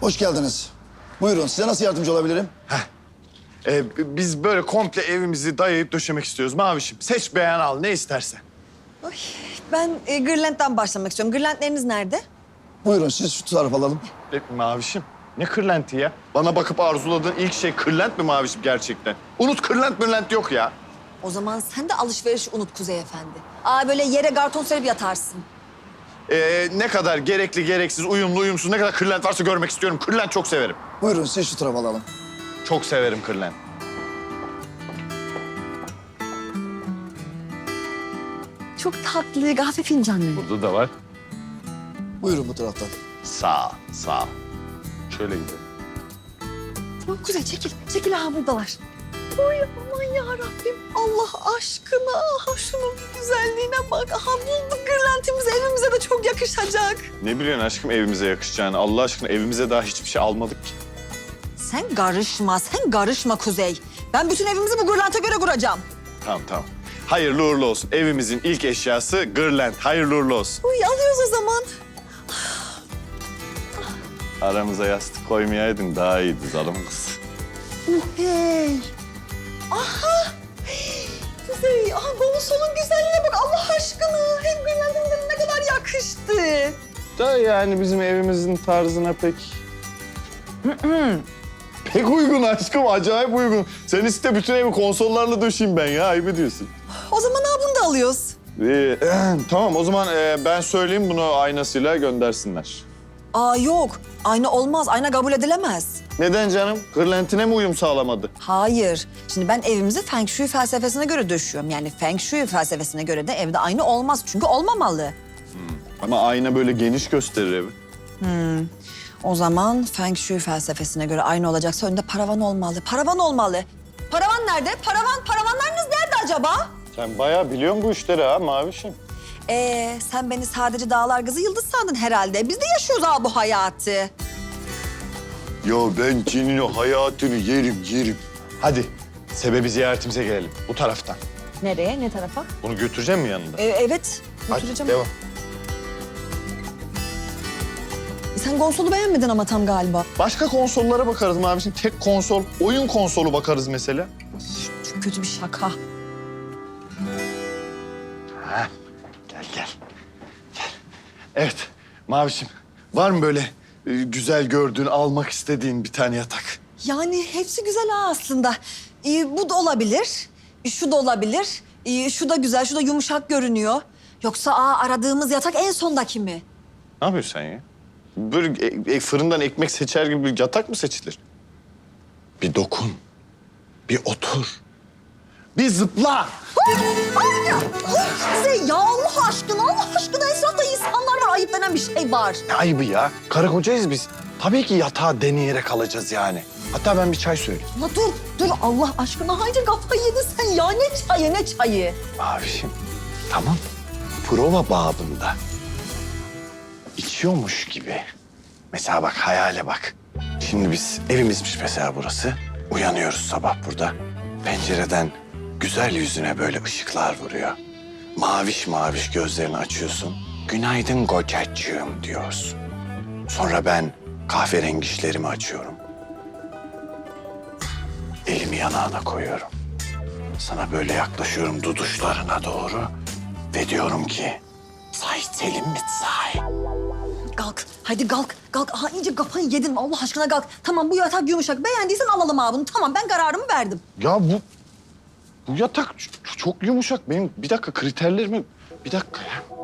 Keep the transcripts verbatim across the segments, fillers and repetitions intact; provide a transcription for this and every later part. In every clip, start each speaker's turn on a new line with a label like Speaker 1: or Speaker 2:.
Speaker 1: Hoş geldiniz. Buyurun, size nasıl yardımcı olabilirim?
Speaker 2: Ee, biz böyle komple evimizi dayayıp döşemek istiyoruz Mavişim. Seç beğen al ne istersen.
Speaker 3: Oy, ben e, Gırlent'ten başlamak istiyorum. Gırlentleriniz nerede?
Speaker 1: Buyurun, siz şu tarafa alalım.
Speaker 2: E, Mavişim ne kırlenti ya? Bana bakıp arzuladığın ilk şey kırlent mi Mavişim gerçekten? Unut kırlent mırlent yok ya.
Speaker 3: O zaman sen de alışverişi unut Kuzey Efendi. Aa böyle yere karton serip yatarsın.
Speaker 2: Ee, ne kadar gerekli gereksiz, uyumlu uyumsuz ne kadar kırlent varsa görmek istiyorum. Kırlent çok severim.
Speaker 1: Buyurun, siz şu tarafa alalım.
Speaker 2: Çok severim kırlent.
Speaker 3: Çok tatlı, kahve fincanlı.
Speaker 2: Burada da var.
Speaker 1: Buyurun bu taraftan.
Speaker 2: Sağ ol, sağ ol. Şöyle gidelim.
Speaker 3: Tamam Kuzey çekil, çekil ha buradalar. Oy aman yarabbim Allah aşkına. Aha şunun bir güzelliğine bak. Aha bulduk Gırlentimiz evimize de çok yakışacak.
Speaker 2: Ne biliyorsun aşkım evimize yakışacağını? Allah aşkına evimize daha hiçbir şey almadık ki.
Speaker 3: Sen karışma, sen karışma Kuzey. Ben bütün evimizi bu Gırlent'e göre kuracağım.
Speaker 2: Tamam tamam. Hayırlı uğurlu olsun. Evimizin ilk eşyası gırlent. Hayırlı uğurlu olsun.
Speaker 3: Uy alıyoruz o zaman.
Speaker 2: Aramıza yastık koymayaydın daha iyiydi zalim kız.
Speaker 3: Hey. Aha. Kuzey, aha Gonsol'un güzelliğine bak Allah aşkına. Hem Gırlent'imize ne kadar yakıştı.
Speaker 2: Da yani bizim evimizin tarzına pek... pek uygun aşkım, acayip uygun. Sen iste bütün evi konsollarla döşeyim ben ya, ayıp ediyorsun.
Speaker 3: O zaman ha bunu da alıyoruz.
Speaker 2: Ee, tamam o zaman e, ben söyleyeyim bunu aynasıyla göndersinler.
Speaker 3: Aa yok, ayna olmaz, ayna kabul edilemez.
Speaker 2: Neden canım? Kırlentine mi uyum sağlamadı?
Speaker 3: Hayır. Şimdi ben evimizi Feng Shui felsefesine göre döşüyorum. Yani Feng Shui felsefesine göre de evde ayna olmaz. Çünkü olmamalı.
Speaker 2: Ama ayna böyle geniş gösterir evi.
Speaker 3: O zaman Feng Shui felsefesine göre ayna olacaksa önde paravan olmalı. Paravan olmalı. Paravan nerede? Paravan, paravanlarınız nerede acaba?
Speaker 2: Sen bayağı biliyorsun bu işleri ha Mavişim.
Speaker 3: Ee, sen beni sadece dağlar kızı Yıldız sandın herhalde. Biz de yaşıyoruz ha bu hayatı.
Speaker 2: Ya ben senin o hayatını yerim yerim. Hadi sebebi ziyaretimize gelelim bu taraftan.
Speaker 3: Nereye, ne tarafa?
Speaker 2: Bunu götüreceğim mi yanında?
Speaker 3: Ee, evet, götüreceğim.
Speaker 2: Hadi devam.
Speaker 3: Sen konsolu beğenmedin ama tam galiba.
Speaker 2: Başka konsollara bakarız Mavişim. Tek konsol, oyun konsolu bakarız mesela.
Speaker 3: Çok kötü bir şaka.
Speaker 2: Ha, gel gel. Gel. Evet Mavişim var mı böyle e, güzel gördüğün, almak istediğin bir tane yatak?
Speaker 3: Yani hepsi güzel ha aslında. Ee, bu da olabilir, şu da olabilir. Ee, şu da güzel, şu da yumuşak görünüyor. Yoksa aa, aradığımız yatak en sondaki mi?
Speaker 2: Ne yapıyorsun sen ya? Böyle e, e, fırından ekmek seçer gibi bir yatak mı seçilir? Bir dokun, bir otur, bir zıpla.
Speaker 3: Ay ya, ay Kuzey ya Allah aşkına, Allah aşkına etrafta insanlar var, ayıp denen bir şey var.
Speaker 2: Ne ayıbı ya? Karı kocayız biz. Tabii ki yatağı deneyerek alacağız yani. Hatta ben bir çay söyleyeyim.
Speaker 3: La dur, dur Allah aşkına haydi kafayı yedin sen ya. Ne çayı, ne çayı?
Speaker 2: Mavişim, tamam. Prova babında. İçiyormuş gibi. Mesela bak, hayale bak. Şimdi biz, evimizmiş mesela burası. Uyanıyoruz sabah burada. Pencereden güzel yüzüne böyle ışıklar vuruyor. Maviş maviş gözlerini açıyorsun. Günaydın kocacığım diyorsun. Sonra ben kahverengi işlerimi açıyorum. Elimi yanağına koyuyorum. Sana böyle yaklaşıyorum duduşlarına doğru. Ve diyorum ki, say Selim mit say.
Speaker 3: Kalk, hadi kalk, kalk. Aha iyice kafayı yedin Allah aşkına kalk. Tamam bu yatak yumuşak, beğendiysen alalım abi bunu. Tamam ben kararımı verdim.
Speaker 2: Ya bu, bu yatak ç- çok yumuşak. Benim bir dakika kriterlerimi, bir dakika ya.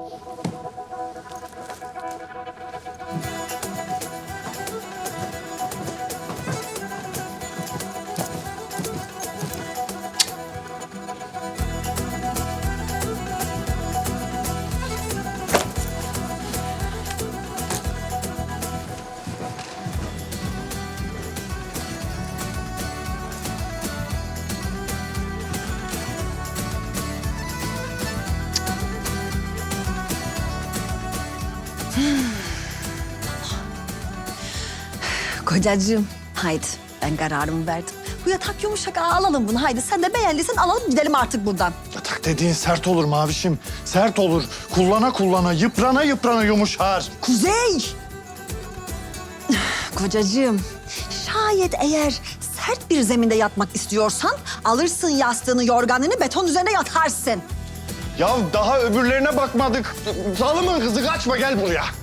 Speaker 3: Kocacığım, haydi ben kararımı verdim. Bu yatak yumuşak, aa, alalım bunu. Haydi sen de beğendiysen alalım gidelim artık buradan.
Speaker 2: Yatak dediğin sert olur Mavişim. Sert olur. Kullana kullana, yıprana yıprana yumuşar.
Speaker 3: Kuzey! Kocacığım, şayet eğer sert bir zeminde yatmak istiyorsan alırsın yastığını, yorganını, beton üzerine yatarsın.
Speaker 2: Ya daha öbürlerine bakmadık. Zalımın kızı kaçma gel buraya.